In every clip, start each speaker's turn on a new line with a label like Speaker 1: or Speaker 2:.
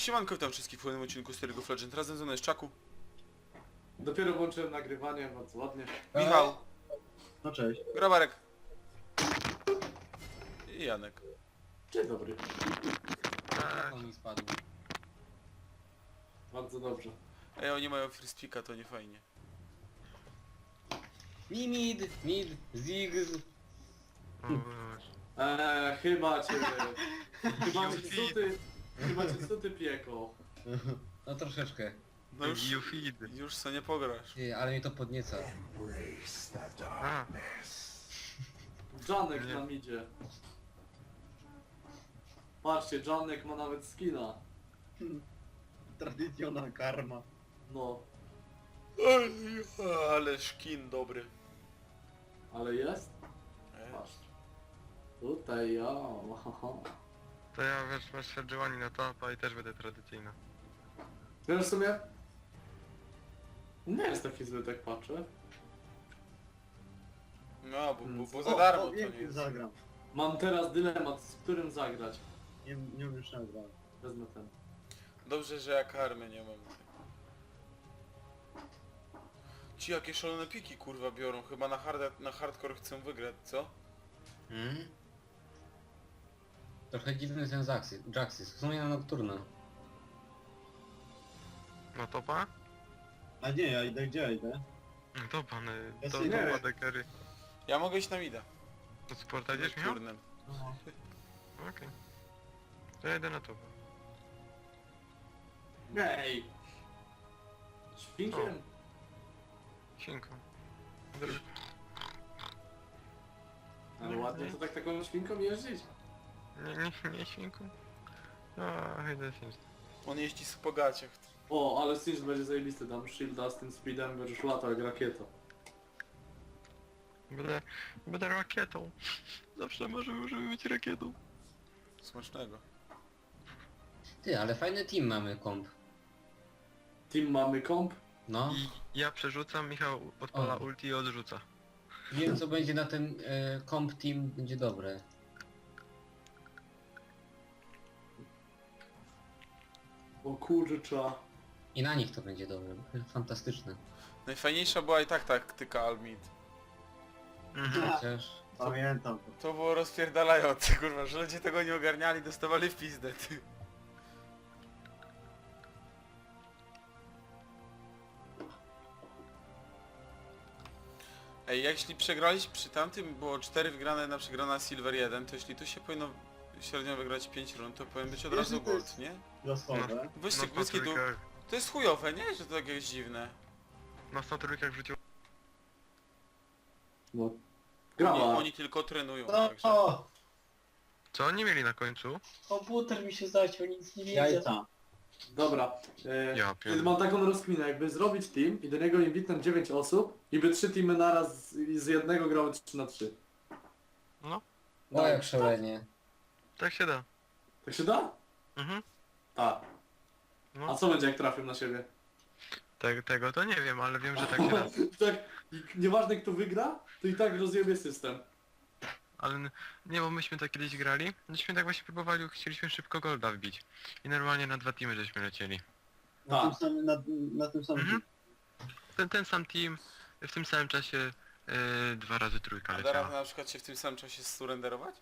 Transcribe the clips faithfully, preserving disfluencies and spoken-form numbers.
Speaker 1: Siemanko, witam wszystkich w kolejnym odcinku z League of Legends. Razem ze mną jest Czaku,
Speaker 2: Dopiero włączyłem nagrywanie, bardzo ładnie.
Speaker 1: Michał,
Speaker 3: No cześć.
Speaker 1: Grabarek i Janek.
Speaker 2: Dzień dobry.
Speaker 3: On mi spadł.
Speaker 2: Bardzo dobrze.
Speaker 1: Ej, oni mają first picka, to nie fajnie.
Speaker 3: Mi mid, mid, zigz.
Speaker 2: Eee, chyba cię... chyba cię cuty... Chyba cię cuty piekło.
Speaker 3: No troszeczkę.
Speaker 1: No już, już co nie pograsz.
Speaker 3: Ty, ale mnie to podnieca.
Speaker 4: A,
Speaker 2: Janek
Speaker 4: Nie.
Speaker 2: nam idzie. Patrzcie, Janek ma nawet skina.
Speaker 3: Tradycjonalna karma.
Speaker 2: No,
Speaker 1: Ej, ale szkin dobry.
Speaker 2: ale jest?
Speaker 1: Ej,
Speaker 2: Patrz. Tutaj ja.
Speaker 4: to ja wiesz, masz Sergiowani na topa i też będę tradycyjna.
Speaker 2: Wiesz w sumie? Nie jest taki zły, tak patrzę.
Speaker 1: No, bo, bo, bo
Speaker 2: O,
Speaker 1: za darmo
Speaker 5: O,
Speaker 1: to
Speaker 5: wiem,
Speaker 1: nie jest.
Speaker 5: zagram.
Speaker 2: Mam teraz dylemat, z którym zagrać.
Speaker 5: Nie, nie umiesz zagrać.
Speaker 2: Wezmę ten.
Speaker 1: Dobrze, że ja karmy nie mam. Ci jakie szalone piki kurwa biorą, chyba na, hard, na hardcore chcą wygrać, co?
Speaker 3: Hmm? Trochę dziwny ten Jaxis. Jaxis. W sumie na Nocturna.
Speaker 4: Na topa?
Speaker 5: A nie, ja idę gdzie ja idę?
Speaker 4: No topa, no,
Speaker 5: Ja
Speaker 4: to
Speaker 5: sobie nie
Speaker 4: topa
Speaker 5: wiem.
Speaker 4: dekery.
Speaker 1: Ja mogę iść na mida.
Speaker 4: To sporta idziesz miał?
Speaker 1: Turnem.
Speaker 4: Okej. To ja idę na topa.
Speaker 2: Ej! Świnkiem?
Speaker 4: Świnką.
Speaker 2: Ale ładnie to tak taką świnką jeździć.
Speaker 4: Nie, nie, nie świnką? No, idę świnką.
Speaker 1: On jeździ z po gaciach.
Speaker 2: O, ale Stinge będzie zajebisty, tam shielda z tym speedem będziesz latał jak rakieta.
Speaker 4: Będę, będę rakietą. Zawsze możemy, możemy być rakietą.
Speaker 1: Smacznego.
Speaker 3: Ty, ale fajny team mamy komp.
Speaker 2: Team mamy komp.
Speaker 3: No.
Speaker 4: I ja przerzucam, Michał odpala
Speaker 3: O.
Speaker 4: ulti i odrzuca.
Speaker 3: Wiem co będzie na ten e, komp team, będzie dobre.
Speaker 2: O kurcza.
Speaker 3: I na nich to będzie dobre. Fantastyczne.
Speaker 1: Najfajniejsza była i tak taktyka Almid.
Speaker 4: Mhm.
Speaker 3: Chociaż...
Speaker 5: Pamiętam to.
Speaker 1: To było rozpierdalające, kurwa, że ludzie tego nie ogarniali, dostawali w pizdę, ty. Ej, jeśli przegraliśmy przy tamtym, było cztery wygrane na przegrana Silver jeden, to jeśli tu się powinno średnio wygrać pięć rund, to powinien być od razu
Speaker 5: Jeśli to jest-
Speaker 1: gold, nie?
Speaker 5: Losowe.
Speaker 1: Wyścig,
Speaker 4: Na
Speaker 1: wyścig,
Speaker 4: trójkach,
Speaker 1: to jest chujowe, nie? Że to tak jest dziwne.
Speaker 4: na sto trójkach wrzucił.
Speaker 2: No.
Speaker 1: Oni,
Speaker 2: Grała.
Speaker 1: oni tylko trenują,
Speaker 5: No,
Speaker 1: także.
Speaker 5: o,
Speaker 4: Co oni mieli na końcu?
Speaker 5: komputer mi się zaciął, nic nie widzę. Jajca.
Speaker 2: Dobra. E,
Speaker 4: Ja pierdolę.
Speaker 2: mam taką rozkminę, jakby zrobić team i do niego invitnąć dziewięć osób i by trzy teamy naraz z, i z jednego grały trzy na trzy.
Speaker 4: No,
Speaker 3: O, jak szalenie.
Speaker 4: tak się da.
Speaker 2: Tak się da?
Speaker 4: Mhm.
Speaker 2: Tak. A
Speaker 4: No,
Speaker 2: co będzie jak trafią na siebie?
Speaker 4: te, tego to nie wiem, ale wiem, że tak się da.
Speaker 2: tak, i nieważne kto wygra, to i tak rozjebie system.
Speaker 4: Ale n- nie, bo myśmy tak kiedyś grali, myśmy tak właśnie próbowali, chcieliśmy szybko golda wbić. I normalnie na dwa teamy żeśmy lecieli.
Speaker 5: Na,
Speaker 2: Tak.
Speaker 5: tym samym, na, na tym samym.
Speaker 4: Mhm. Ten, ten sam team, w tym samym czasie yy, dwa razy trójka
Speaker 1: A da radę
Speaker 4: leciała.
Speaker 1: na przykład się w tym samym czasie surrenderować?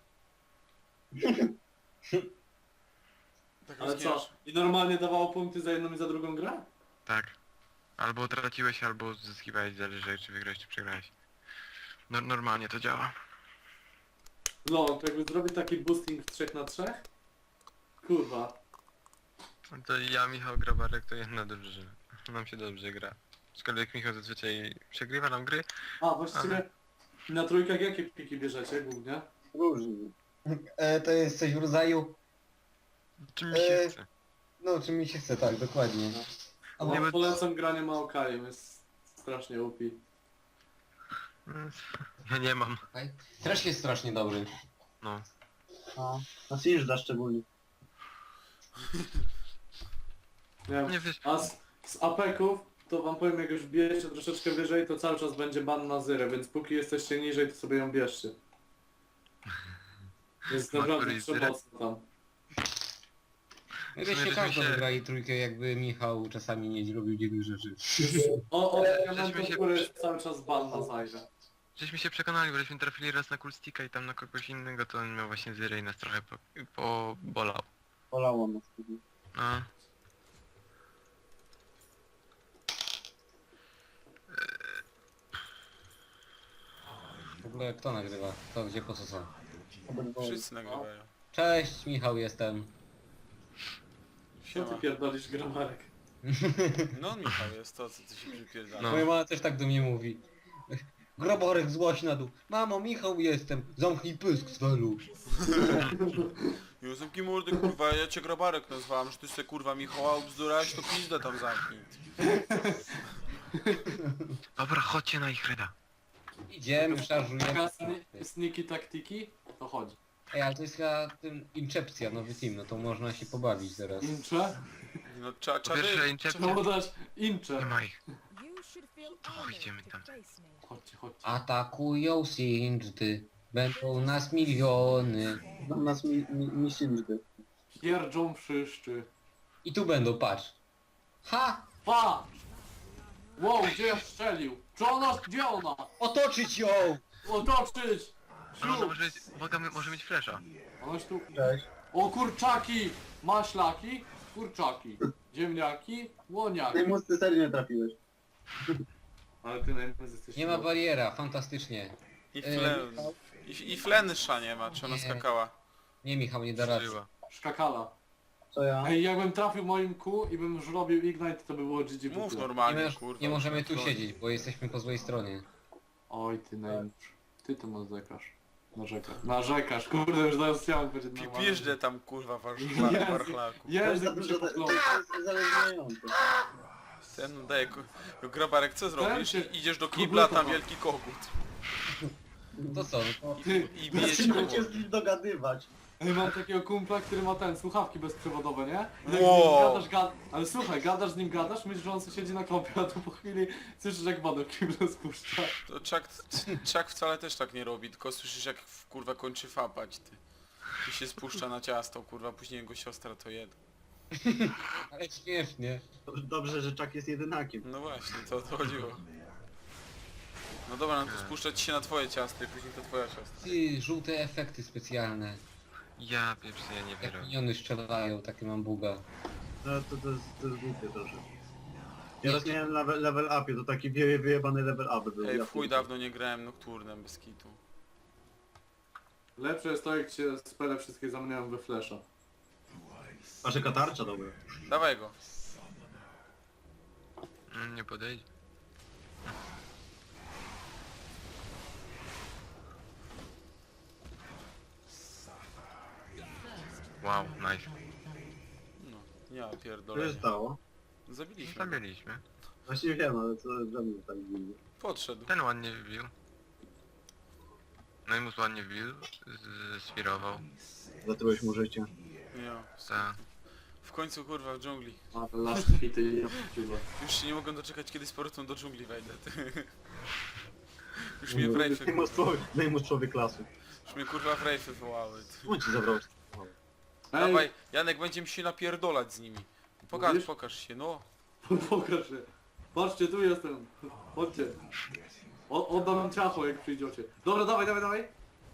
Speaker 1: Tak
Speaker 2: Ale co?
Speaker 1: rozkminiasz.
Speaker 2: I normalnie dawało punkty za jedną i za drugą grę?
Speaker 4: Tak. Albo traciłeś, albo zyskiwałeś, zależy czy wygrałeś, czy przegrałeś. No, normalnie to działa.
Speaker 2: No, to jakby zrobić taki boosting w trzech na trzech? Kurwa.
Speaker 4: To ja, Michał Grabarek, to jedna drużyna. Nam się dobrze gra. Aczkolwiek Michał zazwyczaj przegrywa nam gry.
Speaker 2: A, właściwie na trójkach jakie piki bierzecie głównie?
Speaker 5: Różnie.
Speaker 3: E, to jest coś w rodzaju...
Speaker 4: Czym mi się
Speaker 3: Eee.
Speaker 4: chce.
Speaker 3: No, czy mi się chce, tak, dokładnie.
Speaker 2: A
Speaker 4: Nie,
Speaker 2: bo
Speaker 4: bo-
Speaker 2: polecam granie Maokajem, jest strasznie upi.
Speaker 4: Ja nie mam.
Speaker 3: Też jest strasznie dobry.
Speaker 4: No.
Speaker 5: A, na Singe'da szczególnie.
Speaker 2: Nie wiem.
Speaker 4: Nie wiesz,
Speaker 2: A z, z apeków, to wam powiem, jak już bierzecie troszeczkę wyżej, to cały czas będzie ban na zyrę, więc póki jesteście niżej, to sobie ją bierzcie. Jest
Speaker 4: Ma
Speaker 2: naprawdę
Speaker 4: któryś zyrę?
Speaker 2: przemocno tam.
Speaker 3: Myśmy
Speaker 4: żeśmy
Speaker 3: każdą
Speaker 4: się-
Speaker 3: wygrali trójkę, jakby Michał czasami nie robił dziwnych rzeczy.
Speaker 2: O, o,
Speaker 4: Żeśmy
Speaker 2: elementu,
Speaker 4: się-
Speaker 2: który jest cały czas ban na zajrze.
Speaker 4: Żeśmy się przekonali, bo żeśmy trafili raz na Kulstika i tam na kogoś innego, to on miał właśnie zyrę i nas trochę po, po bolał.
Speaker 5: Polało nas.
Speaker 4: No.
Speaker 3: W ogóle kto nagrywa? Kto gdzie po co są?
Speaker 5: Obydwoje.
Speaker 1: Wszyscy nagrywają.
Speaker 3: Cześć, Michał jestem.
Speaker 2: Co ty
Speaker 1: Siema.
Speaker 2: pierdolisz, gramarek?
Speaker 1: No Michał jest to, co ty się przypierdala.
Speaker 4: No.
Speaker 3: Moja mama też tak do mnie mówi. Groborek złoś na dół. Mamo, Michał jestem. Zamknij pysk, Svelu.
Speaker 1: Józef Kimurdy, kurwa, ja cię Grabarek nazwałem, że ty se kurwa Michała ubzdurałeś, to pizdę tam zamknij.
Speaker 4: Dobra, chodźcie na ich reda.
Speaker 3: Idziemy, szarżujemy.
Speaker 2: Taka sni- sniki taktiki? To chodzi.
Speaker 3: Ej, ale to jest chyba tym Incepcja, nowy team, no to można się pobawić teraz.
Speaker 2: Incze?
Speaker 1: No cza,
Speaker 4: Po pierwsze,
Speaker 1: czary...
Speaker 4: Incepcja-
Speaker 2: Czemu dać
Speaker 4: Nie
Speaker 2: incze?
Speaker 4: ma ich.
Speaker 6: To
Speaker 4: idziemy tam.
Speaker 2: Chodźcie, chodźcie.
Speaker 3: Atakują Sindżdy. Będą nas miliony.
Speaker 5: Tam nas mi, mi, mi Sindżdy.
Speaker 2: Pierdzą wszyscy.
Speaker 3: I tu będą, patrz. Ha!
Speaker 2: Patrz! Wow, gdzie ja strzelił? Czy ona, gdzie ona?
Speaker 3: Otoczyć ją!
Speaker 2: Otoczyć!
Speaker 4: Ale ona
Speaker 2: Ślub!
Speaker 4: może, uwaga, może mieć flesza.
Speaker 2: Onoś tu...
Speaker 5: Cześć.
Speaker 2: O kurczaki! Maślaki, kurczaki. Ziemniaki, łoniaki.
Speaker 5: Najmocniej ty serio nie trafiłeś.
Speaker 2: Ale ty najmniej jesteś...
Speaker 3: Nie ma bariera, fantastycznie.
Speaker 1: I
Speaker 3: E,
Speaker 1: flen...
Speaker 3: Michał?
Speaker 1: I, I flensza nie ma, czy ona
Speaker 3: Nie.
Speaker 1: skakała?
Speaker 3: Nie, Michał, nie da rady.
Speaker 4: Żyła.
Speaker 2: Szkakala.
Speaker 5: Co ja?
Speaker 2: Ej, jakbym trafił moim Q i bym już robił Ignite, to by było G G w
Speaker 1: Mów
Speaker 2: ogóle.
Speaker 3: Nie,
Speaker 1: normalnie,
Speaker 3: moż-
Speaker 1: kurwa.
Speaker 3: nie możemy tu
Speaker 1: No.
Speaker 3: siedzieć, bo jesteśmy po złej stronie.
Speaker 2: Oj, ty najmniejszy. Ty to narzekasz. Narzekasz. Narzekasz, kurde, już zaraz chciałem powiedzieć
Speaker 1: Pi-
Speaker 2: normalnie.
Speaker 1: Piżdżę tam kurwa
Speaker 2: Jezu.
Speaker 1: warszla- warchlaku.
Speaker 5: To jest
Speaker 2: Język
Speaker 5: za
Speaker 2: mi się
Speaker 5: dużo, to
Speaker 2: poplątał.
Speaker 5: jest uzależniające.
Speaker 1: Ten no daje ku... Grabarek, co zrobisz?
Speaker 2: się-
Speaker 1: Idziesz do kibla, tam wielki kogut.
Speaker 3: To co, no to...
Speaker 2: Ty,
Speaker 1: I bije cię
Speaker 5: Zaczynam
Speaker 1: po
Speaker 5: się z
Speaker 1: głowie.
Speaker 5: nim dogadywać.
Speaker 2: Ej, mam takiego kumpla, który ma ten, słuchawki bezprzewodowe, nie? Jak z
Speaker 1: Wow.
Speaker 2: nim gadasz, gad... Ale słuchaj, gadasz z nim, gadasz, myślisz, że on sobie siedzi na kąpie, a tu po chwili słyszysz, jak wodę kibla spuszcza.
Speaker 1: To Chuck, Chuck wcale też tak nie robi, tylko słyszysz jak w- kurwa kończy fapać, ty. I się spuszcza na ciasto, kurwa, później jego siostra to jed.
Speaker 3: Ale śmiesznie.
Speaker 5: Dobrze, że Chuck jest jedynakiem.
Speaker 1: No właśnie, to o to chodziło. No dobra, no to spuszczać się na twoje ciasto i później to twoja siostra.
Speaker 3: Ty, żółte efekty specjalne.
Speaker 4: Ja pierwszy, ja nie
Speaker 3: Jak
Speaker 4: wierzę.
Speaker 3: miniony strzelają, takie mam buga.
Speaker 5: No to, to, jest, to jest głupie trochę. Ja raz miałem level, level upie, to taki wie, wyjebany level up był.
Speaker 1: Ej,
Speaker 5: Ja
Speaker 1: w chuj
Speaker 5: pierdolę.
Speaker 1: dawno nie grałem nokturnem bez kitu.
Speaker 2: Lepsze jest to, jak się spele wszystkie zamieniają we flesza.
Speaker 5: Wasze katarcza, dobra.
Speaker 1: Dawaj go.
Speaker 4: Mm, Nie podejdzie. Wow, nice.
Speaker 1: No, ja
Speaker 5: Co
Speaker 1: pierdolę.
Speaker 5: się stało?
Speaker 1: Zabiliśmy go.
Speaker 4: Zabiliśmy.
Speaker 5: Właśnie wiem, ale co dla mnie tak dziwnie.
Speaker 1: Podszedł.
Speaker 4: Ten ładnie wbił. No i mus ładnie wbił, z- swirował.
Speaker 5: Zatrułeś mu życie.
Speaker 1: Ja.
Speaker 4: Ta.
Speaker 1: W końcu kurwa w dżungli.
Speaker 2: Ale last hity i ja pierdolę.
Speaker 1: Już się nie mogę doczekać kiedy z powrotem do dżungli wejdę. ty. Już mnie w rejfy,
Speaker 5: Najmus człowiek, najmus człowiek lasu.
Speaker 1: już mnie kurwa w rejfy wołały. ty.
Speaker 5: On ci zabrał.
Speaker 1: Dawaj, Janek, będziemy się napierdolać z nimi. Pokaż,
Speaker 2: Mówisz?
Speaker 1: pokaż się, no.
Speaker 2: Pokaż się. Patrzcie, tu jestem. Chodźcie. O, oddam ciacho, jak przyjdziecie. Dobra, dawaj, dawaj, dawaj.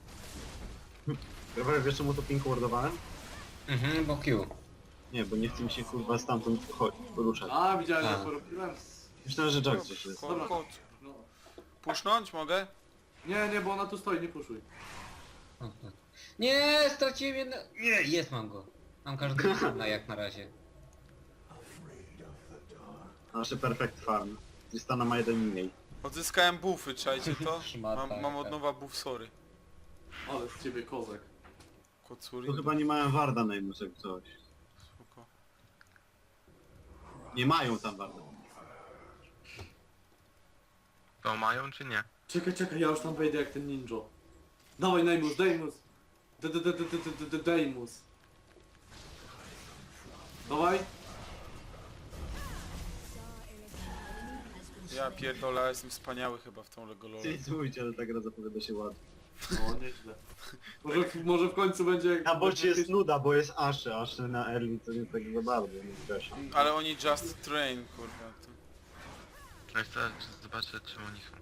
Speaker 5: Dobra, wiesz czemu to pink wardowałem?
Speaker 3: Mhm, bo Q.
Speaker 5: Nie, bo nie chce mi się kurwa stamtąd chodzić, poruszać.
Speaker 2: A, widziałem,
Speaker 3: A.
Speaker 2: jak to robiłem.
Speaker 5: Myślałem, że Jack gdzieś jest.
Speaker 1: Ko
Speaker 2: Dobra.
Speaker 1: kot.
Speaker 2: No.
Speaker 1: Pusznąć mogę?
Speaker 2: Nie, nie, bo ona tu stoi, nie puszuj.
Speaker 3: O, tak. Nie, straciłem jedno... Nie, jest, mam go. Mam każdego na jak na razie.
Speaker 5: Nasze perfect farm. Tristana ma jeden mniej.
Speaker 1: Odzyskałem buffy, czajcie to?
Speaker 3: Szmata,
Speaker 1: Mam, mam od
Speaker 3: tak.
Speaker 1: nowa buff, sorry.
Speaker 2: Ale z ciebie kozak.
Speaker 1: Kocuri.
Speaker 5: To chyba nie mają warda najmus jak coś.
Speaker 1: Spoko.
Speaker 5: Nie mają tam warda.
Speaker 4: To mają czy nie?
Speaker 2: Czekaj, czekaj, ja już tam wejdę jak ten ninja. Dawaj, Neymus, Dejmus. D- d- d- d- d- d- d- Dejmus. Dawaj.
Speaker 1: Ja pierdolę, jestem wspaniały chyba w tą Legololę.
Speaker 5: Cizujcie, ale ta gra zapowiada się ładnie.
Speaker 2: No, nieźle. Może, w- może w końcu będzie...
Speaker 5: Na bocie jest
Speaker 2: jakieś-
Speaker 5: nuda, bo jest Ashe, Ashe na early to nie tak za bardzo, nie wiesz.
Speaker 1: Ale oni just train, kurwa. To...
Speaker 4: Ale chcę zobaczyć czym oni są.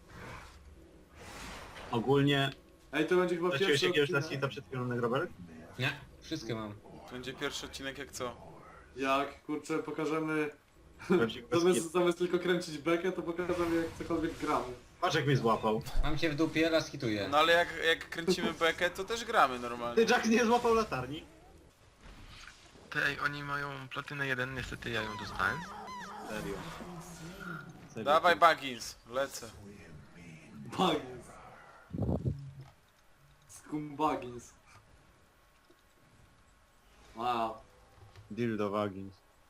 Speaker 5: Ogólnie...
Speaker 2: Ej, to będzie chyba
Speaker 5: Zacząłeś
Speaker 2: pierwszy
Speaker 5: jakiegoś
Speaker 2: odcinek.
Speaker 5: last hita przed chwilą na Robert?
Speaker 3: Nie, wszystkie mam.
Speaker 1: to będzie pierwszy odcinek jak co?
Speaker 2: Jak, kurczę, pokażemy...
Speaker 5: Prawdziwy bez
Speaker 2: Zamiast,
Speaker 5: hita.
Speaker 2: zamiast tylko kręcić bekę, to pokażemy jak cokolwiek gramy.
Speaker 5: Patrz jak mnie złapał.
Speaker 3: Mam cię w dupie, raz hituję.
Speaker 1: No ale jak, jak kręcimy bekę, to też gramy normalnie.
Speaker 5: Ty, Jax nie złapał latarni.
Speaker 4: Ty, ej, oni mają platynę jeden, niestety ja ją dostałem.
Speaker 5: Serio. Serio.
Speaker 1: Dawaj Baggins, lecę.
Speaker 2: Baggins. Scumbagins. Wow.
Speaker 5: Dildo Wagins.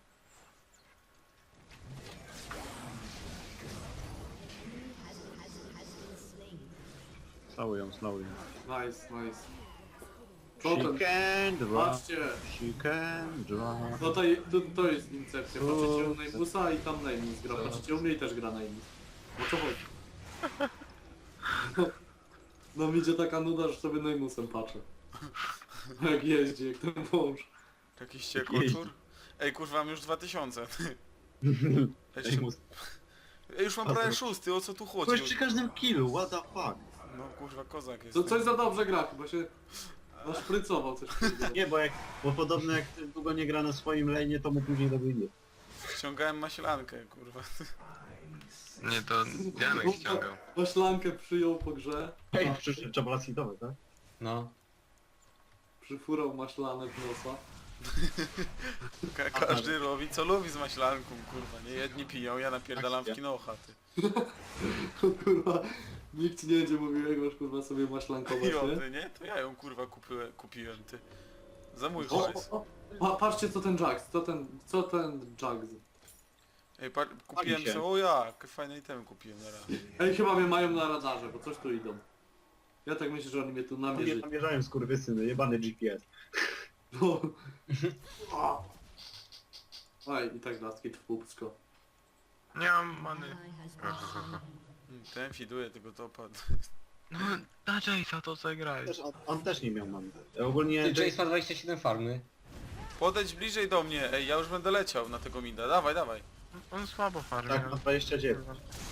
Speaker 5: Slały ją, slały ją.
Speaker 2: Nice, nice. Co ten?
Speaker 5: Chicken dwa.
Speaker 2: Patrzcie,
Speaker 5: Chicken dwa.
Speaker 2: tutaj, tu, to jest incepcja. Patrzycie u Neymusa i tam Neymus gra. Patrzycie u mnie i też gra Neymus. O co chodzi? No, no mi idzie taka nuda, że sobie Neymusem patrzę. Jak jeździ, jak ten wąż.
Speaker 1: Jakiś ciekłoczur? Ej kurwa, mam już dwa tysiące. Jeszcze...
Speaker 5: Neymus.
Speaker 1: Ej, już mam prawie szósty, o co tu chodzi?
Speaker 5: Byłeś przy każdym killu, what the fuck.
Speaker 1: No kurwa, kozak jest.
Speaker 2: To coś za dobrze gra, chyba się naszprycował coś. takiego.
Speaker 5: Nie, bo jak, bo podobno jak długo nie gra na swoim lane'ie, to mu później dobije.
Speaker 1: Ściągałem maślankę, kurwa.
Speaker 4: Nie, to Janek ściągał.
Speaker 2: Maślankę przyjął po grze,
Speaker 5: Ej, przyszedł trzeba last hitowy, tak?
Speaker 3: No.
Speaker 2: przyfurał maślanek w nosa.
Speaker 1: Ka każdy robi co lubi z maślanką, kurwa. Nie jedni piją, ja napierdalam w kinocha, ty.
Speaker 2: Kurwa, nikt ci nie będzie mówił, jak masz kurwa sobie maślankować, nie?
Speaker 1: Pijąty, nie? To ja ją kurwa kupiłem, kupiłem, ty. Za mój
Speaker 2: O,
Speaker 1: hajs.
Speaker 2: o, o. Pa, patrzcie co ten Jax, co ten, co ten Jax.
Speaker 1: Ej, pa kupiłem
Speaker 5: się.
Speaker 1: co, o jak, fajne itemy kupiłem na raz.
Speaker 2: Ej, chyba mnie mają na radarze, bo coś tu idą. Ja tak myślę, że oni mnie tu
Speaker 5: Nie
Speaker 2: namierzyli.
Speaker 5: namierzają skurwysyny, jebany G P S.
Speaker 2: No. A. Oj, i tak laski w pupsko.
Speaker 4: Nie mam many.
Speaker 1: Mm, Ten fiduje tego topa.
Speaker 4: No, na Jace'a to zagraj.
Speaker 5: Też, on, on też nie miał mamy. Ogólnie
Speaker 3: Ty,
Speaker 5: Jace...
Speaker 3: Jace ma dwadzieścia siedem farmy.
Speaker 1: Podejdź bliżej do mnie, ej, ja już będę leciał na tego mida. Dawaj, dawaj.
Speaker 4: On słabo farmi.
Speaker 5: Tak, ma dwadzieścia dziewięć.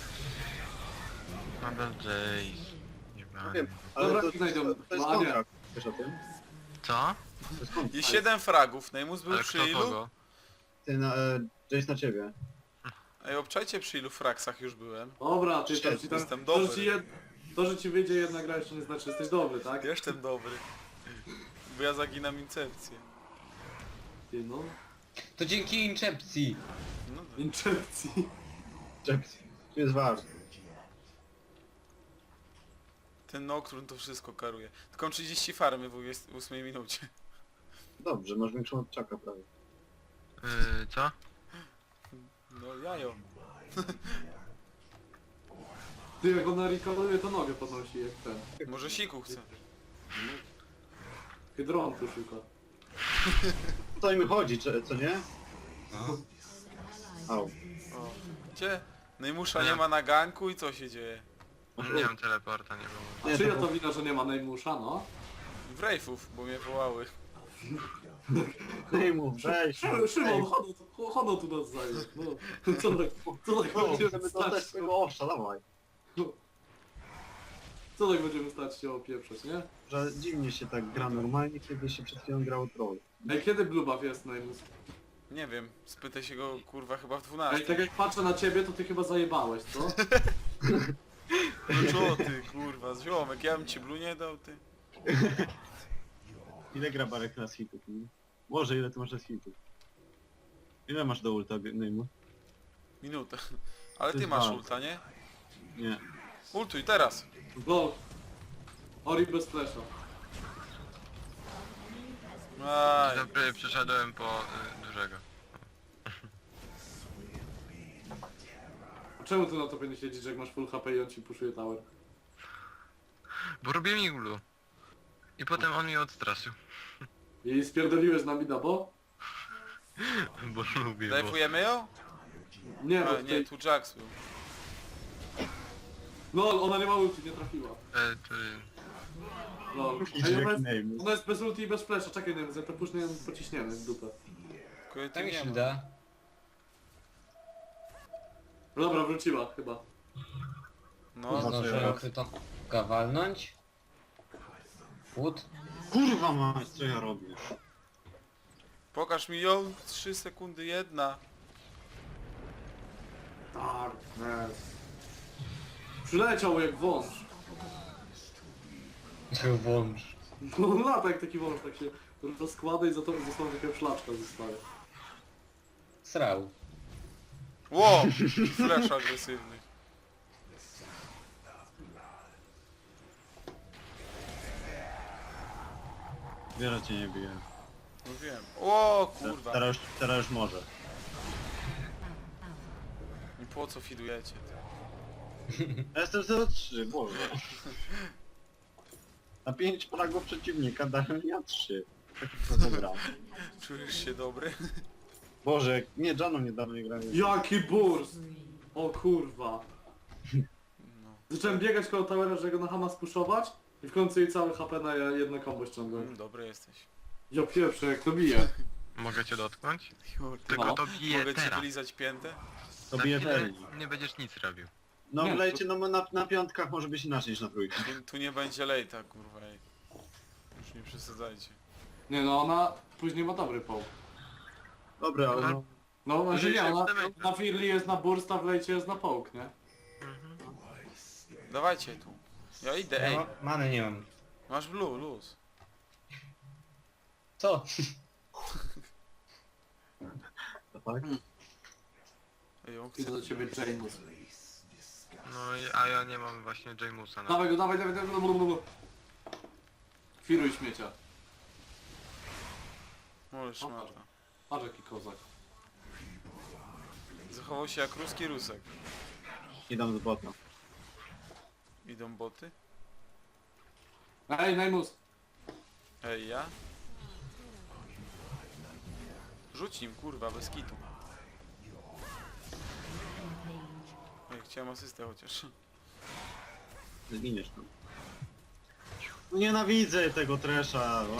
Speaker 4: Nadal Jace. Jebany.
Speaker 5: Wiem, ale
Speaker 2: Dobra,
Speaker 5: to, to,
Speaker 2: znajdą.
Speaker 5: to jest
Speaker 2: No, nie.
Speaker 5: kontrakt. Wiesz o tym?
Speaker 4: Co?
Speaker 5: To jest kontrakt.
Speaker 1: I siedem fragów, Neymus był
Speaker 4: Ale
Speaker 1: przy
Speaker 4: kto
Speaker 1: ilu?
Speaker 4: kogo?
Speaker 5: Ty na, e, Jace na ciebie.
Speaker 1: Ej, obczajcie przy ilu fraksach już byłem.
Speaker 2: Dobra, ty to ci tam,
Speaker 1: Jestem
Speaker 2: to, że
Speaker 1: dobry.
Speaker 2: ci jed, to, że ci wyjdzie jedna gra jeszcze nie znaczy, że jesteś dobry, tak?
Speaker 1: Jestem dobry. Bo ja zaginam incepcję.
Speaker 2: Ty no,
Speaker 3: To dzięki incepcji.
Speaker 1: No dobra.
Speaker 2: incepcji.
Speaker 5: Jace. To jest ważne.
Speaker 1: Ten Nocturne to wszystko karuje. Tylko trzydzieści farmy w ósmej minucie.
Speaker 5: Dobrze, masz większą od czaka prawie.
Speaker 4: Yy, co?
Speaker 1: No jajo.
Speaker 2: Ty jak ona rekoluje, to nogę podnosi jak ten.
Speaker 1: Może siku chce.
Speaker 2: Hydrontu szuka.
Speaker 5: To im chodzi, czy, co nie?
Speaker 3: No.
Speaker 5: Au.
Speaker 1: O. Gdzie? Neymusza
Speaker 4: Nie.
Speaker 1: nie ma na ganku i co się dzieje?
Speaker 4: Nie mam teleporta, nie było.
Speaker 5: Nie,
Speaker 2: Czyja
Speaker 5: to-
Speaker 2: to wina, że nie ma Neymusza, no?
Speaker 1: W Rejfów, bo mnie wołały.
Speaker 5: Ej mu, weź.
Speaker 2: Szy- Szymon, chono tu, chono tu nas zajmie. No, co tak, co tak
Speaker 5: No,
Speaker 2: będziemy
Speaker 5: chcemy
Speaker 2: stać,
Speaker 5: dostać swojego owsza, dawaj.
Speaker 2: co tak będziemy stać się opieprzeć, nie?
Speaker 5: Że dziwnie się tak gra normalnie, kiedy się przed chwilą grało troll.
Speaker 2: Ej, kiedy Blue Buff jest Neymus?
Speaker 1: Nie wiem, spytaj się go kurwa chyba w
Speaker 2: Ej,
Speaker 1: dwunastej.
Speaker 2: tak jak patrzę na ciebie, to ty chyba zajebałeś, co?
Speaker 1: No co ty kurwa, ziomek, ja bym ci blu nie dał ty.
Speaker 5: Ile gra Barek na hitów? Nie? Boże, ile ty masz z hitów? Ile masz do ulta, Neymu?
Speaker 1: Minutę. Ale
Speaker 5: To
Speaker 1: ty
Speaker 5: jest
Speaker 1: masz
Speaker 5: bardzo.
Speaker 1: ulta, nie?
Speaker 5: Nie.
Speaker 1: Ultuj teraz.
Speaker 2: Gol. Ori bez flesza.
Speaker 1: Aj.
Speaker 4: Dobry, przeszedłem po y, dużego.
Speaker 2: A czemu ty na topie nie siedzisz, jak masz full H P i on ci puszuje tower?
Speaker 4: Bo robię iglu. I potem on mnie odstraszył.
Speaker 2: I spierdoliłeś na mida, bo?
Speaker 4: Bo lubię, bo...
Speaker 1: Dajfujemy ją?
Speaker 2: Nie, bo
Speaker 1: A,
Speaker 2: w
Speaker 1: nie,
Speaker 2: tej...
Speaker 1: tu Jax był.
Speaker 2: No, ona nie ma ulti, nie trafiła.
Speaker 4: E, to...
Speaker 2: Lol.
Speaker 5: Idź
Speaker 2: Ej,
Speaker 5: jak
Speaker 2: ona jest,
Speaker 5: Neymus.
Speaker 2: ona jest bez ulti i bez flasha, czekaj, nie wiem, to później ją pociśniemy w dupę.
Speaker 1: Tylko ja tu
Speaker 3: Tak mi
Speaker 1: nie
Speaker 3: się
Speaker 1: ma.
Speaker 3: da.
Speaker 2: Dobra, wróciła chyba.
Speaker 1: No,
Speaker 5: Kurwa, co
Speaker 3: Zdążę
Speaker 5: ja robię?
Speaker 3: chwytą walnąć. Płód.
Speaker 5: Kurwa mać, co ja robię?
Speaker 1: pokaż mi ją, trzy sekundy jedna.
Speaker 2: Darkness. Przyleciał jak wąż.
Speaker 3: Włącz.
Speaker 2: No lata jak taki wąż, tak się rozkłada i za to została taka szlaczka zostaje.
Speaker 3: Srał.
Speaker 1: Ło! Flash agresywny.
Speaker 5: Wiele cię nie bije.
Speaker 1: No wiem. O
Speaker 5: Te-
Speaker 1: kurwa.
Speaker 5: Teraz już, teraz już może.
Speaker 1: I po co fidujecie?
Speaker 5: Ja jestem zero trzy, boże. Na pięć fragów przeciwnika dają ja trzy. Taki to dobra.
Speaker 1: Czujesz się dobry?
Speaker 5: Boże, nie, Jano niedawno nie grałem.
Speaker 2: Jaki burst! O kurwa.
Speaker 1: No.
Speaker 2: Zacząłem biegać koło towera, żeby go na Hama spuszować i w końcu jej cały H P na jedno combo ściągnąłem.
Speaker 1: Mm, dobry jesteś.
Speaker 2: Ja pierwsze, jak to bije.
Speaker 4: Mogę cię dotknąć?
Speaker 1: Kurde.
Speaker 4: Tylko
Speaker 2: No.
Speaker 4: to bije
Speaker 1: Mogę ci
Speaker 4: teraz.
Speaker 1: wylizać piętę?
Speaker 5: To
Speaker 4: Na
Speaker 5: bije
Speaker 4: chwilę
Speaker 5: Ferni.
Speaker 4: nie będziesz nic robił.
Speaker 5: No
Speaker 2: Nie,
Speaker 5: wlejcie, no na, na piątkach może być inaczej niż na trójkach.
Speaker 1: Tu, tu nie będzie lejta, kurwa. Ej. Już nie przesadzajcie.
Speaker 2: Nie no, ona później ma dobry poł.
Speaker 5: Dobra, ale no,
Speaker 2: No, znaczy
Speaker 4: Jeżeli
Speaker 2: nie,
Speaker 4: się
Speaker 2: ona,
Speaker 4: wstawia-
Speaker 2: na Firli jest na burst, a w lejcie jest na połk, nie?
Speaker 1: Dawajcie tu. Ja idę, ej.
Speaker 3: No, many nie mam.
Speaker 1: Masz blue, luz.
Speaker 3: Co?
Speaker 5: to tak?
Speaker 1: Ej, on
Speaker 2: Idę
Speaker 1: chce...
Speaker 2: do ciebie James.
Speaker 4: No i- a ja nie mam właśnie Jamusa na...
Speaker 2: Dawaj go, dawaj, dawaj, dawaj, blablabla. Firuj śmiecia.
Speaker 1: Możesz, szmata.
Speaker 2: Patrz jaki kozak.
Speaker 1: Zachował się jak ruski rusek.
Speaker 5: Idę z bota.
Speaker 1: Idą boty?
Speaker 2: Ej, Neymus!
Speaker 1: Ej, ja? Rzuć nim, kurwa, bez kitu. Ej, chciałem asystę chociaż.
Speaker 5: Zginiesz tam. No nienawidzę tego tresza. o.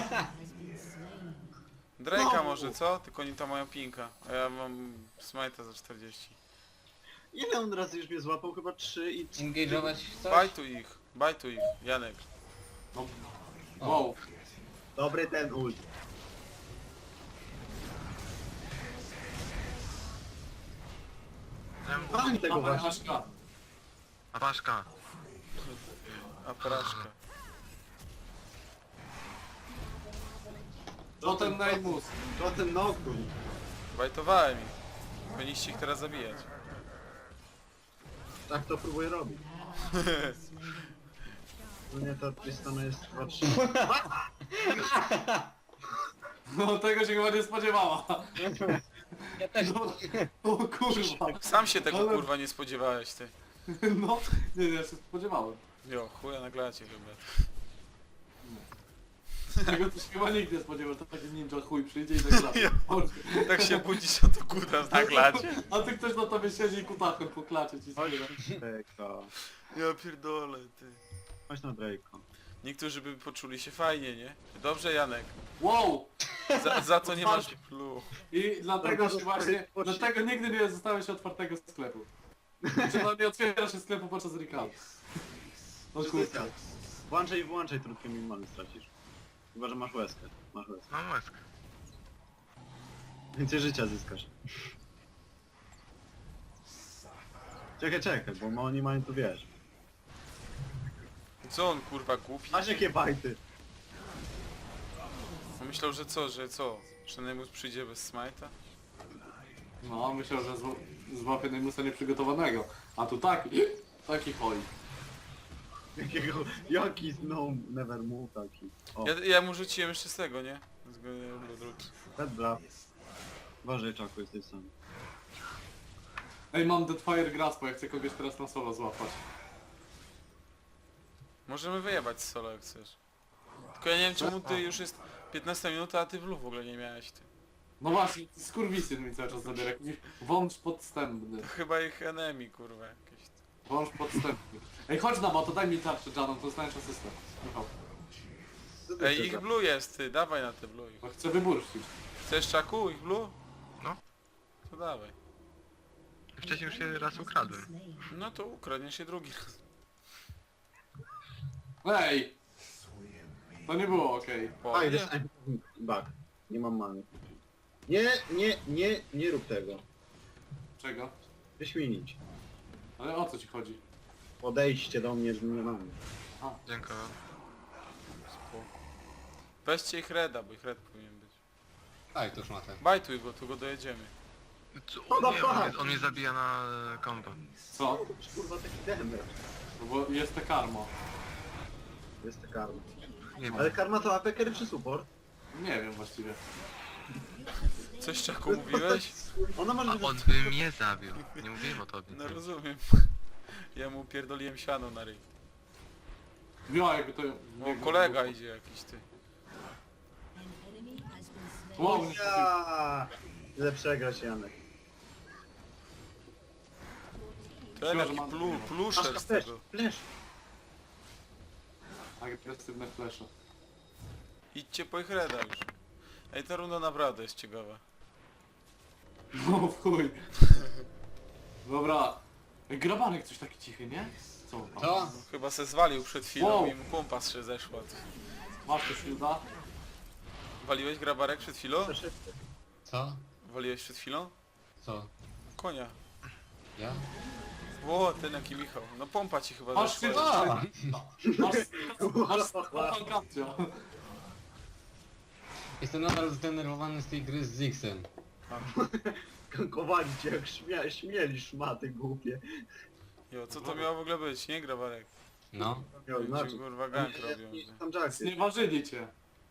Speaker 1: Drake'a
Speaker 5: No.
Speaker 1: może, co? Tylko oni tam mają pinka. A ja mam smite'a za czterdzieści.
Speaker 5: Ile on razy już mnie złapał? Chyba trzy i...
Speaker 3: Engage'ować coś?
Speaker 1: Bajtu ich, bajtu ich, Janek.
Speaker 2: No. Wow.
Speaker 5: Dobry ten ult. Mam tego
Speaker 2: Dawaj,
Speaker 5: właśnie.
Speaker 2: Aszka.
Speaker 4: A Paszka.
Speaker 1: A porażka.
Speaker 2: Potem Neymus.
Speaker 5: To ten Nocturne.
Speaker 1: Bajtowałem ich. Powinniście ich teraz zabijać.
Speaker 5: Tak to próbuję robić. No nie, ta Tristana jest chyba trzy.
Speaker 2: No tego się chyba nie spodziewała.
Speaker 3: Ja też.
Speaker 2: No, o kurwa.
Speaker 1: Sam się tego
Speaker 2: Ale-
Speaker 1: kurwa nie spodziewałeś, ty.
Speaker 2: No, nie, ja się spodziewałem.
Speaker 1: Jo, chuja na glacie chyba.
Speaker 2: Tego to się chyba nikt nie spodziewał, to taki ninja chuj przyjdzie i tak dalej.
Speaker 1: Tak się budzisz, a to kuta na glacie.
Speaker 2: A ty ktoś na tobie siedzi i kutachem poklacze ci
Speaker 5: Chodź
Speaker 2: zbiera.
Speaker 5: na Drake'a.
Speaker 1: Ja pierdolę, ty.
Speaker 5: Chodź na Drake'a.
Speaker 1: Niektórzy by poczuli się fajnie, nie? Dobrze, Janek.
Speaker 2: Wow!
Speaker 1: Za, za to nie masz plu.
Speaker 2: I dlatego
Speaker 5: Bardzo
Speaker 2: się właśnie,
Speaker 5: spory-
Speaker 2: dlatego nigdy nie zostawiasz otwartego sklepu. Znaczy no nie otwierasz się sklepu podczas recall. O kurwa.
Speaker 5: Włączaj i wyłączaj, trudkie minimalny stracisz. Chyba, że masz łezkę. Masz łezkę.
Speaker 4: Mam łezkę.
Speaker 5: Więcej życia zyskasz. Czekaj, czekaj, bo oni mają tu wiesz.
Speaker 1: Co on kurwa głupi?
Speaker 5: Masz jakie bajty?
Speaker 1: On myślał, że co, że co? Że Nemus przyjdzie bez smite'a?
Speaker 2: No myślał, że zł- złapie Neymusa nieprzygotowanego. A tu taki, taki hoj.
Speaker 5: Jakiego, jaki no never move taki. O,
Speaker 1: Ja, ja mu rzuciłem jeszcze z tego, nie? Z Blood Root.
Speaker 5: Red Bluff. Uważaj, Czaku, jesteś sam.
Speaker 2: Ej, mam Deadfire Grasp, bo ja chcę kogoś teraz na solo złapać.
Speaker 1: Możemy wyjebać z solo jak chcesz. Tylko ja nie wiem czemu ty już jest piętnasta minuta, a ty w lu w ogóle nie miałeś, ty.
Speaker 2: No właśnie, skurwisyn mi cały czas zabiera. Jakiś wąż podstępny.
Speaker 1: To chyba ich enemy, kurwa, jakieś.
Speaker 2: Wąż podstępny. Ej, chodź na to daj mi tarczę Janą, to dostaniesz asystę. Michał.
Speaker 5: wtedy
Speaker 1: Ej,
Speaker 5: chcę
Speaker 1: ich
Speaker 5: za-
Speaker 1: blue jest, ty, dawaj na te blue.
Speaker 2: Bo chcę wyburszczyć.
Speaker 1: Chcesz czaku, ich blue?
Speaker 4: No.
Speaker 1: To dawaj.
Speaker 4: Wcześniej już się raz ukradłem.
Speaker 1: No to ukradniesz się drugi raz.
Speaker 2: Ej! To nie było okej.
Speaker 1: Po,
Speaker 5: Aj,
Speaker 1: nie?
Speaker 5: dostałem bug. Nie mam many. Nie, nie, nie, nie rób tego.
Speaker 2: Czego?
Speaker 5: Wyśmienić.
Speaker 2: Ale o co ci chodzi?
Speaker 5: Podejście do mnie, że nie mam.
Speaker 4: Dziękuję.
Speaker 1: Spoko. Weźcie ich reda, bo ich red powinien być.
Speaker 3: Aj, to szmatę.
Speaker 1: Bajtuj go, tu go dojedziemy.
Speaker 4: Co?
Speaker 5: No
Speaker 4: Nie,
Speaker 5: tak.
Speaker 4: on, mnie, on mnie zabija na e, combo.
Speaker 2: Co?
Speaker 5: Kurwa taki damage.
Speaker 2: No bo jest te karmo.
Speaker 5: Jest to karma.
Speaker 4: Nie wiem.
Speaker 5: Ale karma to A P carry czy support?
Speaker 2: Nie wiem właściwie.
Speaker 1: Coś czaku mówiłeś?
Speaker 5: Ona może
Speaker 4: A
Speaker 5: być...
Speaker 4: on by mnie zabił. Nie mówiłem o tobie.
Speaker 1: No rozumiem. Ja mu pierdoliłem siano na ryj.
Speaker 2: Wio, jakby to...
Speaker 1: O, kolega idzie jakiś, ty.
Speaker 2: Wow, nie
Speaker 5: Ja! Ile przegrać, Janek.
Speaker 1: Ten
Speaker 2: Myślę, że
Speaker 1: jaki
Speaker 2: mam-
Speaker 1: plu, pluszer z
Speaker 5: flash,
Speaker 1: tego.
Speaker 5: flash.
Speaker 2: agresywne flesze.
Speaker 1: Idźcie po ich reda już. Ej, ta runda naprawdę jest ciekawa.
Speaker 2: No w chuj. Dobra. Ej, Grabanek coś taki cichy, nie? Co? tam?
Speaker 3: Co?
Speaker 1: No, chyba se zwalił przed chwilą
Speaker 2: Wow.
Speaker 1: i mu pompa się zeszła. Ty.
Speaker 2: Masz to shielda?
Speaker 1: Waliłeś grabarek przed chwilą?
Speaker 3: Co?
Speaker 1: Waliłeś przed chwilą?
Speaker 3: Co?
Speaker 1: Konia.
Speaker 3: Ja?
Speaker 1: O, ten jaki Michał. No pompa ci chyba
Speaker 2: Masz
Speaker 1: zeszła.
Speaker 2: shielda?
Speaker 3: A!
Speaker 2: Masz... Masz... Kapcio.
Speaker 3: Jestem nadal zdenerwowany z tej gry z Zixem.
Speaker 5: Kowali cię jak śmia śmieli szmaty głupie.
Speaker 1: Jo, co to miało w ogóle być, nie grabarek?
Speaker 3: No.
Speaker 5: Miał
Speaker 1: Ci
Speaker 5: znaczy.
Speaker 1: kurwa gank
Speaker 5: Nie,
Speaker 1: robią.
Speaker 5: nie,
Speaker 1: ty.
Speaker 5: tam Jacksy.
Speaker 2: Znieważyli cię.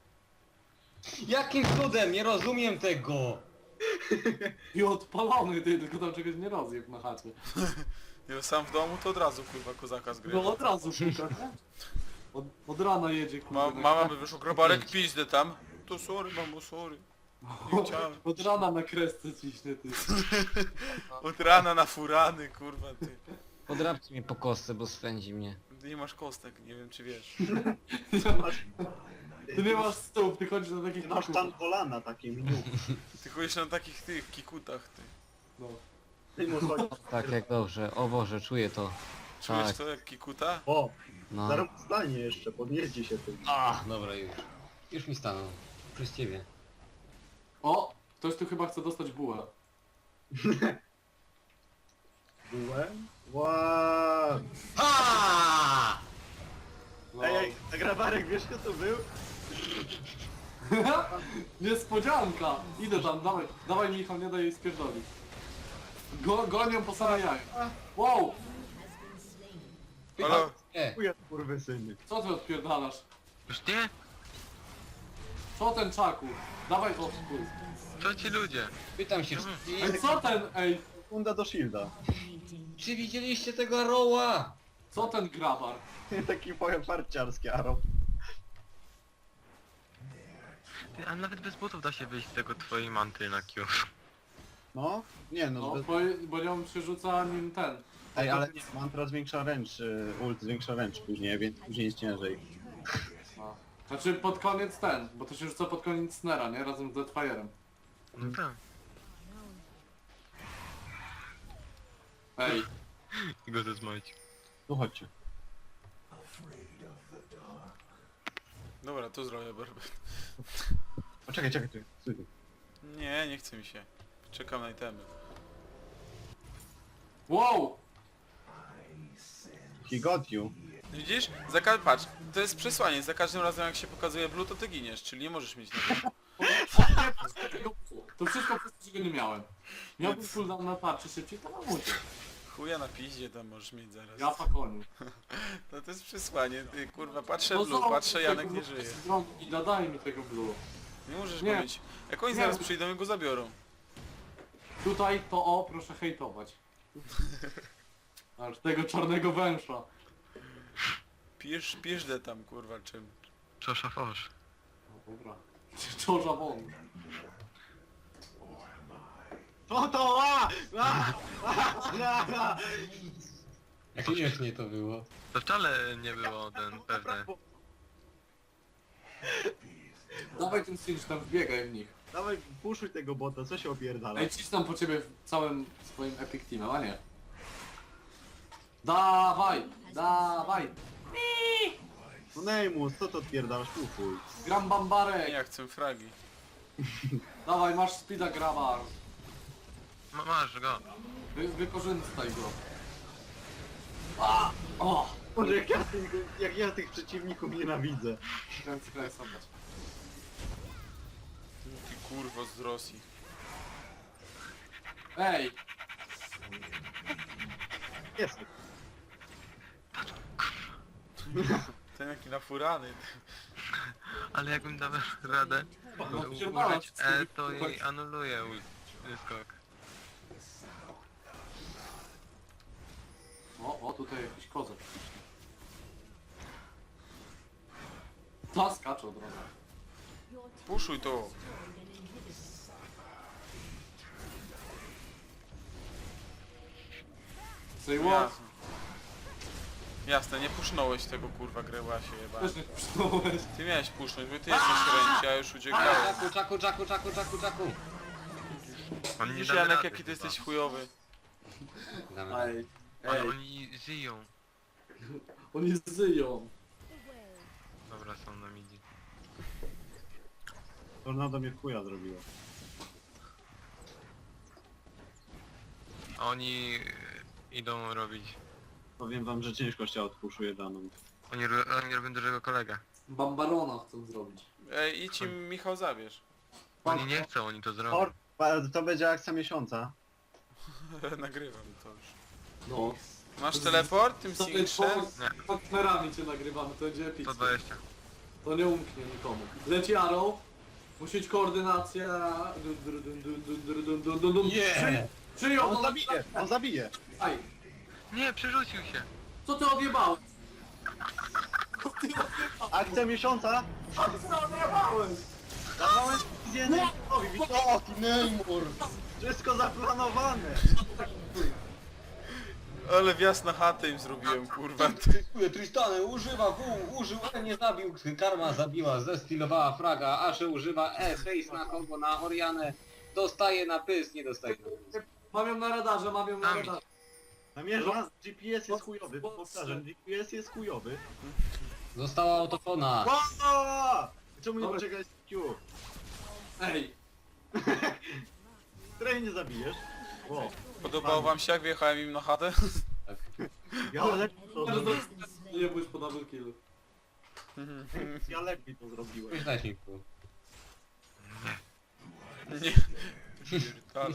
Speaker 3: Jakim cudem? Nie rozumiem tego!
Speaker 2: I odpalony ty, tylko tam czegoś nie rozjeb na chacie.
Speaker 1: Jo, sam w domu to od razu kurwa kozaka zgrywa.
Speaker 2: No od razu szuka, nie? Od, od rana jedzie kurwa.
Speaker 1: Ma, mama by wyszło grabarek pizdę tam. To sorry mamo, sorry. Nie chciałem.
Speaker 2: Od rana na kresce ciśnie ty.
Speaker 1: Od rana na furany kurwa ty.
Speaker 3: Podrabcie mnie po kostce, bo swędzi mnie.
Speaker 1: Ty nie masz kostek, nie wiem czy wiesz.
Speaker 2: Ty nie masz, ty nie masz stóp, ty chodzisz na takich
Speaker 5: Ty masz tam kolana takie miniu.
Speaker 1: Ty chodzisz na takich tych kikutach ty.
Speaker 2: No.
Speaker 5: Ty mu chodzi.
Speaker 3: Tak, jak dobrze. O Boże, czuję to.
Speaker 1: Czujesz
Speaker 3: Tak.
Speaker 1: to jak kikuta?
Speaker 5: O!
Speaker 3: No.
Speaker 5: Zaraz stanie jeszcze, podnieździ się tym.
Speaker 3: A, dobra już. Już mi stanął. Przez ciebie.
Speaker 2: O! Ktoś tu chyba chce dostać bułę.
Speaker 5: Byłem? Wow.
Speaker 3: Ha!
Speaker 2: No.
Speaker 5: Ej, ej, nagrawarek, wiesz kto to był?
Speaker 2: Niespodzianka! Idę tam, dawaj, dawaj Michał, nie daj jej spierdolić. Go, gonią po same jaja. Wow!
Speaker 1: Halo?
Speaker 3: Nie.
Speaker 5: Chuja kurwysyny.
Speaker 2: Co ty odpierdalasz?
Speaker 4: Już nie?
Speaker 2: Co ten czaku? Dawaj to spójrz.
Speaker 4: Co ci ludzie?
Speaker 3: Pytam się,
Speaker 2: Ej, co ten, ej,
Speaker 5: Sekunda do shielda.
Speaker 3: czy widzieliście tego roła?
Speaker 2: co ten grabar?
Speaker 5: Taki powiem farciarski arrow.
Speaker 4: Ty, a nawet bez butów da się wyjść z tego twojej manty na Q.
Speaker 5: No? Nie no,
Speaker 2: No,
Speaker 5: bez...
Speaker 2: bo, bo nią przerzuca nim ten.
Speaker 5: Ej, ale nie, mantra zwiększa ręcz, y, ult zwiększa ręcz później, więc później jest ciężej.
Speaker 2: A. Znaczy pod koniec ten, bo to się rzuca pod koniec snera, nie? Razem z Deadfire'em.
Speaker 4: No tak.
Speaker 2: Ej,
Speaker 4: I go zezmolić.
Speaker 5: Tu chodźcie.
Speaker 1: Dobra, tu zrobię berber.
Speaker 5: Poczekaj, czekaj, tu. Stój tu.
Speaker 1: Nie, nie chce mi się. Czekam na itemy.
Speaker 2: wow!
Speaker 5: He got you.
Speaker 1: Widzisz? Za ka- patrz, to jest przesłanie. Za każdym razem jak się pokazuje blue, to ty giniesz, czyli nie możesz mieć na to.
Speaker 2: To wszystko przez to, że go nie miałem. Miałbym cooldown na tarczy szybciej, to mam uciec.
Speaker 1: Chuja na piździe tam możesz mieć zaraz.
Speaker 2: Ja fakoniu.
Speaker 1: No to jest przesłanie, ty kurwa, patrzę
Speaker 2: No
Speaker 1: blue,
Speaker 2: zobacz,
Speaker 1: patrzę,
Speaker 2: tego
Speaker 1: Janek nie
Speaker 2: blue
Speaker 1: żyje.
Speaker 2: z drogi I daj mi tego blue.
Speaker 1: Nie możesz
Speaker 2: Nie.
Speaker 1: go mieć. Jak oni
Speaker 2: Nie.
Speaker 1: zaraz przyjdą i go zabiorą.
Speaker 2: Tutaj to o, proszę hejtować. Aż tego czarnego węża.
Speaker 1: Pisz, piszdę tam kurwa czym.
Speaker 4: Czosza fosz.
Speaker 2: No dobra. Czorza wąż.
Speaker 5: To to! A! A! A!
Speaker 3: Jak śmiesznie to było.
Speaker 4: To wcale nie było ten pewne.
Speaker 2: Dawaj ten cinch tam, wbiegaj w nich.
Speaker 5: Dawaj, puszuj tego bota, co się opierdala?
Speaker 2: Ej, cisną po ciebie w całym swoim epic teamem, a nie? Dawaj! Dawaj!
Speaker 5: No Neymus, co to odpierdalasz? Puszuj.
Speaker 2: Gram bambarek!
Speaker 1: Ja chcę fragi.
Speaker 2: Dawaj, masz speeda grabar.
Speaker 4: Ma, masz go.
Speaker 2: Wy, wykorzystaj go. A! O!
Speaker 5: Boże, jak ja, tych, jak ja tych przeciwników nienawidzę.
Speaker 2: Kręcę, kręcę, zobacz.
Speaker 1: Ty kurwo z Rosji.
Speaker 2: Ej!
Speaker 5: Jest.
Speaker 1: Ten jaki nafurany.
Speaker 4: Ale jakbym dał radę
Speaker 2: No,
Speaker 4: u-
Speaker 2: pierdala,
Speaker 4: użyć
Speaker 2: wszystko
Speaker 4: E,
Speaker 2: wy-
Speaker 4: to jej anuluje ul- skok.
Speaker 2: O, o, tutaj jakiś kozak. Ta skaczą droga.
Speaker 1: Puszuj to.
Speaker 2: Say what?
Speaker 1: Jasne. Jasne, nie pusznąłeś tego kurwa grełasie jeba.
Speaker 2: Też nie przyznałeś.
Speaker 1: Ty miałeś pusznąć, bo ty jesteś ręci, a już uciekałeś.
Speaker 3: Czaku, czaku, czaku, czaku, czaku, czaku.
Speaker 4: On nie
Speaker 1: Widzisz
Speaker 4: da
Speaker 1: Janek
Speaker 4: rady
Speaker 1: jaki ty
Speaker 4: chyba.
Speaker 1: jesteś chujowy.
Speaker 3: Damy.
Speaker 2: Ej,
Speaker 4: Ale
Speaker 2: ej,
Speaker 4: oni żyją.
Speaker 2: oni zyją.
Speaker 4: Dobra, są na midi.
Speaker 5: Tornado mnie w chuja zrobiło.
Speaker 4: A oni e, idą robić.
Speaker 5: Powiem wam, że ciężko się odpuszuje daną.
Speaker 4: Oni, ro- oni robią dużego kolegę.
Speaker 2: Bambarona chcą zrobić.
Speaker 1: Ej, idź im Michał zabierz.
Speaker 4: Oni nie chcą, oni to zrobią.
Speaker 5: Or, pa- to będzie akcja miesiąca.
Speaker 1: Nagrywam to już.
Speaker 2: No.
Speaker 1: Masz teleport tym
Speaker 2: Sobie
Speaker 1: Sinkshem?
Speaker 4: Nie.
Speaker 2: partnerami cię nagrywamy, to będzie
Speaker 4: sto
Speaker 2: epickie.
Speaker 4: dwadzieścia.
Speaker 2: To nie umknie nikomu. Leci Arrow. Musi być koordynacja. Dun, dun, dun, dun, dun, dun, dun, dun, dun, dun.
Speaker 3: Nie!
Speaker 2: Przy- Przyjął
Speaker 5: On
Speaker 2: to
Speaker 5: zabije, on zabije.
Speaker 2: Aj,
Speaker 4: Nie, przerzucił się.
Speaker 2: co ty odjebałeś? Co ty
Speaker 5: Akcja miesiąca.
Speaker 2: odjebałeś?
Speaker 5: Dawałem wizję Neymusowi, widzisz?
Speaker 3: O, ty Neymur!
Speaker 5: Wszystko zaplanowane.
Speaker 1: Ale wjazd na chatę im zrobiłem, kurwa. Ty.
Speaker 3: Dziękuję, Tristany używa W, użył E, nie zabił, Karma zabiła, zestylowała fraga, Ashe używa E, face na kombo na Orianę, dostaje na pysk, nie dostaje na pysk.
Speaker 2: Mam ją na radarze, mam ją na
Speaker 4: Tam
Speaker 2: radarze.
Speaker 5: Namierza, G P S jest chujowy, powtarzam, G P S jest chujowy.
Speaker 3: Została autofona.
Speaker 5: O! Czemu nie
Speaker 2: Dobra.
Speaker 5: poczekać Q?
Speaker 2: Ej,
Speaker 5: Której nie zabijesz? O,
Speaker 1: Podobało wam się jak wjechałem im na chatę?
Speaker 3: Tak.
Speaker 5: ja lepiej to
Speaker 2: teraz
Speaker 5: zrobiłem.
Speaker 2: nie bójś po double killu.
Speaker 5: Ja lepiej to zrobiłem.
Speaker 3: Już dać mi pół.
Speaker 1: Nie. Pierdolę.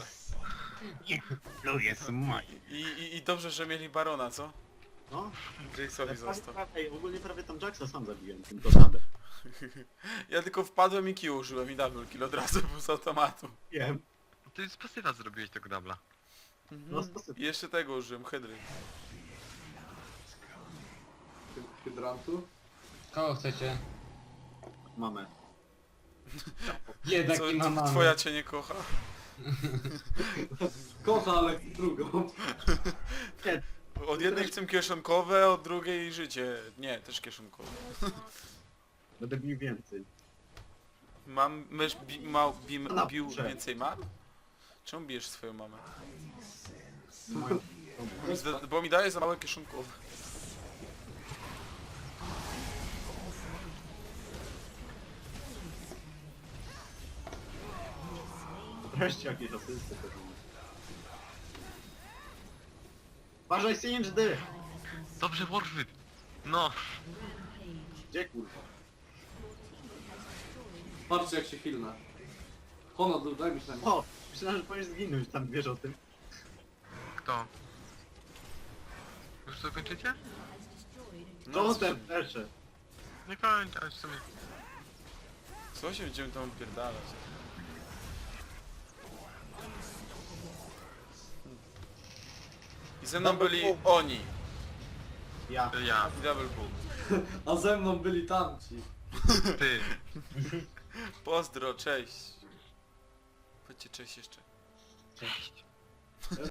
Speaker 1: I, i, I dobrze, że mieli barona, co?
Speaker 5: No,
Speaker 1: Jace'owi został.
Speaker 5: Ej, ogólnie prawie tam Jacksa sam zabiłem, tym tornadem.
Speaker 1: Ja tylko wpadłem i Q użyłem i double kill od razu był z automatu.
Speaker 5: Wiem.
Speaker 4: Ty z pasywa zrobiłeś tego dubla.
Speaker 5: No sposób.
Speaker 1: I jeszcze tego użyłem, hydry.
Speaker 2: Hy- Hydrantu.
Speaker 3: Kogo chcecie?
Speaker 5: Mamy.
Speaker 3: Jednak
Speaker 1: Co,
Speaker 3: nie ma mamy.
Speaker 1: twoja cię nie kocha?
Speaker 2: Kocha, ale drugą.
Speaker 5: Nie,
Speaker 1: Od jednej chcę kieszonkowe, od drugiej życie. Nie, też kieszonkowe.
Speaker 5: będę bił więcej.
Speaker 1: Mam, mysz bi, ma, bi,
Speaker 5: Na
Speaker 1: bił
Speaker 5: górze.
Speaker 1: więcej mam? Czemu bijesz swoją mamę?
Speaker 5: Moją...
Speaker 1: Z- Bo mi daje za małe kieszonkowe.
Speaker 5: Wreszcie jakieś asysty pewnie. Uważaj, Singe D!
Speaker 4: Dobrze, Warfit. No.
Speaker 5: Gdzie kurwa?
Speaker 2: Patrzcie jak się chilna. Honor, daj mi się na mnie.
Speaker 5: O! Myślałem, że powinieneś zginąć, tam wiesz o tym.
Speaker 4: Kto? Już to kończycie?
Speaker 5: No ten pierwsze.
Speaker 4: Nie kończę, ale w sumie.
Speaker 1: Co się będziemy tam odpierdalać? I ze mną byli oni.
Speaker 5: Ja.
Speaker 4: Ja,
Speaker 1: I double boom.
Speaker 2: A ze mną byli tamci.
Speaker 4: ty.
Speaker 1: Pozdro, cześć. Powiedzcie cześć jeszcze.
Speaker 4: Cześć.